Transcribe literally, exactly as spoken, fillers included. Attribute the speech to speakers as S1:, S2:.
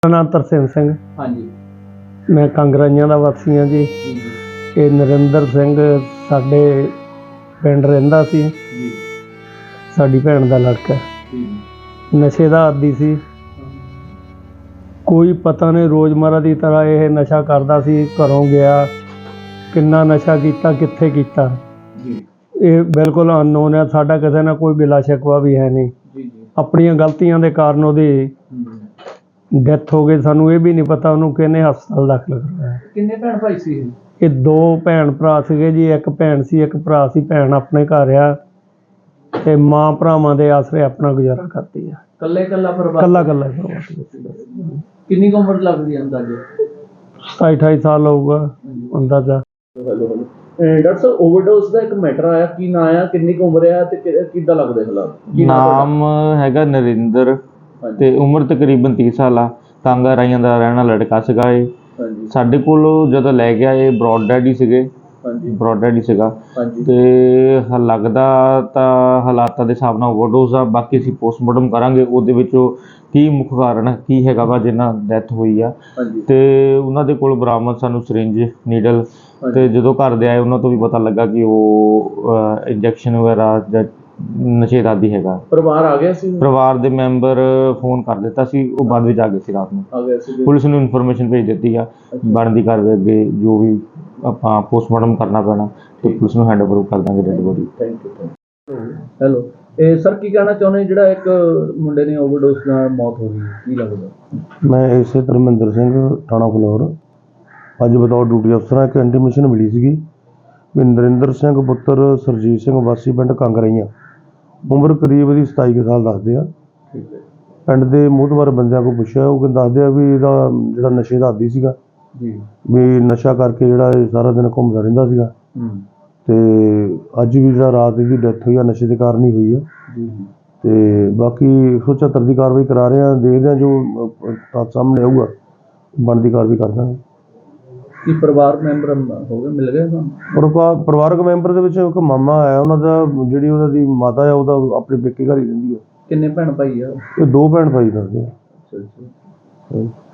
S1: ਮੇਰਾ नाम तरसेम सिंह।
S2: हाँ जी।
S1: मैं कांगराइयां दा वासी हाँ जी।
S2: जी जी
S1: ये नरिंदर सिंह साडे पिंड रहिंदा सी।
S2: जी
S1: साडी भैन दा लड़का
S2: जी
S1: नशे दा आदी सी। कोई पता नहीं रोज़मर्रा की तरह यह नशा करदा सी। घरों गया किन्ना नशा कीता कित्थे कीता
S2: जी
S1: ये बिल्कुल अननोन है। साडा किसी नाल कोई गिला शिकवा भी है नहीं।
S2: जी जी
S1: अपनियां गलतियां दे कारण उहदी
S2: हम्म।
S1: डेथ हो गई। सानू ये भी नहीं पता उन्होंने किहने हस्पताल दाखिल करवाया।
S2: किन्ने भैन भाई सी ये?
S1: ये दो भैन भरा सीगे जी। एक भैन सी एक भरा सी। भैन अपने घर आ ते मां भरावां दे आसरे अपना गुजारा करती है।
S2: कल्ले कल्ला परिवार
S1: कल्ला कल्ला ही परिवार।
S2: किन्नी कुछ उम्र लगदी है अंदाजे?
S1: सताई अठाई साल होगा अंदाजा।
S2: हेलो हेलो डॉक्टर साहब ओवरडोज ਦਾ ਇੱਕ ਮੈਟਰ ਆਇਆ ਕੀ ਨਾਂ ਆ ਕਿੰਨੀ ਕੁ ਉਮਰ ਆ ਤੇ ਕਿੱਦਾਂ ਲੱਗਦੇ ਹਾਲਾਤ?
S3: ਨਾਮ ਹੈਗਾ ਨਰਿੰਦਰ ਤੇ ਉਮਰ ਤਕਰੀਬਨ ਤੀਹ ਸਾਲ ਆ। ਕਾਂਗਰਾਈਆਂ ਦਾ ਰਹਿਣ ਵਾਲਾ ਲੜਕਾ ਸੀਗਾ ਇਹ।
S2: ਹਾਂਜੀ
S3: ਸਾਡੇ ਕੋਲ ਜਦੋਂ ਲੈ ਗਿਆ ਇਹ ਬ੍ਰੌਡ ਡੈਡ ਹੀ ਸੀਗੇ।
S2: ਹਾਂਜੀ
S3: ਬ੍ਰੌਡ ਡੈਡ ਹੀ ਸੀਗਾ
S2: ਹਾਂਜੀ
S3: ਤੇ ਹ- ਲੱਗਦਾ ਤਾਂ ਹਾਲਾਤਾਂ ਦੇ ਹਿਸਾਬ ਨਾਲ ਓਵਰਡੋਜ਼ ਆ। ਬਾਕੀ ਅਸੀਂ ਪੋਸਟਮਾਰਟਮ ਕਰਾਂਗੇ ਉਹਦੇ ਵਿੱਚੋਂ ਕੀ ਮੁੱਖ ਕਾਰਨ ਕੀ ਹੈਗਾ ਵਾ ਜਿੰਨਾ ਡੈਥ ਹੋਈ ਆ।
S2: ਹਾਂਜੀ
S3: ਤੇ ਉਹਨਾਂ ਦੇ ਕੋਲ ਬਰਾਮਦ ਸਾਨੂੰ ਸਿਰਿੰਜ ਨੀਡਲ ਤੇ ਜਦੋਂ ਘਰ ਦੇ ਆਏ ਉਹਨਾਂ ਤੋਂ ਵੀ ਪਤਾ ਲੱਗਾ ਕਿ ਉਹ ਇੰਜੈਕਸ਼ਨ ਵਗੈਰਾ ਜਾਂ ਨਸ਼ੇ ਦਾ ਆਦੀ ਹੈਗਾ।
S2: ਪਰਿਵਾਰ ਆ ਗਿਆ ਸੀ
S3: ਪਰਿਵਾਰ ਦੇ ਮੈਂਬਰ ਫੋਨ ਕਰ ਦਿੱਤਾ ਸੀ ਉਹ ਬਾਅਦ ਵਿੱਚ ਆ ਗਏ ਸੀ ਰਾਤ ਨੂੰ।
S2: ਆ ਗਿਆ ਸੀ
S3: ਪੁਲਿਸ ਨੂੰ ਇਨਫੋਰਮੇਸ਼ਨ ਭੇਜ ਦਿੱਤੀ ਆ। ਬਣਦੀ ਕਾਰਵਾਈ ਅੱਗੇ ਜੋ ਵੀ ਆਪਾਂ ਪੋਸਟਮਾਰਟਮ ਕਰਨਾ ਪੈਣਾ ਤੇ ਪੁਲਿਸ ਨੂੰ ਹੈਂਡ ਓਵਰ ਕਰ ਦਾਂਗੇ dead body.
S2: Thank you thank you hello ਇਹ ਸਰ ਕੀ ਕਹਿਣਾ ਚਾਹੁੰਦੇ ਜਿਹੜਾ ਇੱਕ ਮੁੰਡੇ ਦੀ ਓਵਰਡੋਜ਼ ਨਾਲ ਮੌਤ ਹੋ ਗਈ ਕੀ ਲੱਗਦਾ?
S1: मैं इसे धर्मेंद्र सिंह थाना फलौर अज बतौर ड्यूटी अफसर एक इंटीमेशन मिली सी भी नरिंदर सिंह पुत्र सरजीत सिंह वासी पिंड कांगराइयां उम्र करीब ਇਹਦੀ सताई ਕੁ साल दसदे आ।
S2: ਠੀਕ ਹੈ
S1: ਪਿੰਡ ਦੇ ਮੂਹਤਵਾਰ ਬੰਦਿਆਂ ਕੋਲ ਪੁੱਛਿਆ ਉਹ ਕਹਿੰਦੇ ਦੱਸਦੇ ਆ ਵੀ ਇਹਦਾ ਜਿਹੜਾ ਨਸ਼ੇ ਦਾ ਆਦੀ ਸੀਗਾ
S2: ਜੀ
S1: ਵੀ ਨਸ਼ਾ ਕਰਕੇ ਜਿਹੜਾ ਇਹ ਸਾਰਾ ਦਿਨ ਘੁੰਮਦਾ ਰਹਿੰਦਾ ਸੀਗਾ
S2: ਹੂੰ
S1: ਤੇ ਅੱਜ ਵੀ ਜਿਹੜਾ ਰਾਤ ਇਹਦੀ ਡੈਥ ਹੋਈ ਆ ਨਸ਼ੇ ਦੇ ਕਾਰਨ ਹੀ ਹੋਈ ਆ।
S2: ਜੀ
S1: ਤੇ ਬਾਕੀ ਇੱਕ ਸੌ ਚੁਹੱਤਰ ਦੀ ਕਾਰਵਾਈ ਕਰਾ ਰਹੇ ਆ। ਦੇਖਦੇ ਆ ਜੋ ਅਹ, ਤੱਥ ਸਾਹਮਣੇ ਆਊਗਾ ਬਣਦੀ ਕਾਰਵਾਈ ਕਰ ਦਾਂਗੇ।
S2: ਕੀ ਪਰਿਵਾਰ ਮੈਂਬਰ ਹੋ ਗਏ ਮਿਲ ਗਏ ਤੁਹਾਨੂੰ?
S1: ਪਰਿਵਾ- ਪਰਿਵਾਰਕ ਮੈਂਬਰ ਦੇ ਵਿੱਚ ਇੱਕ ਮਾਮਾ ਆਇਆ ਉਹਨਾਂ ਦਾ ਜਿਹੜੀ ਉਹਨਾਂ ਦੀ ਮਾਤਾ ਆ ਉਹਦਾ ਆਪਣੇ ਪੇਕੇ ਘਰ ਹੀ ਰਹਿੰਦੀ ਆ।
S2: ਕਿੰਨੇ ਭੈਣ ਭਾਈ ਆ?
S1: ਇਹ ਦੋ ਭੈਣ ਭਾਈ ਦੱਸਦੇ ਆ।
S2: ਅੱਛਾ ਅੱਛਾ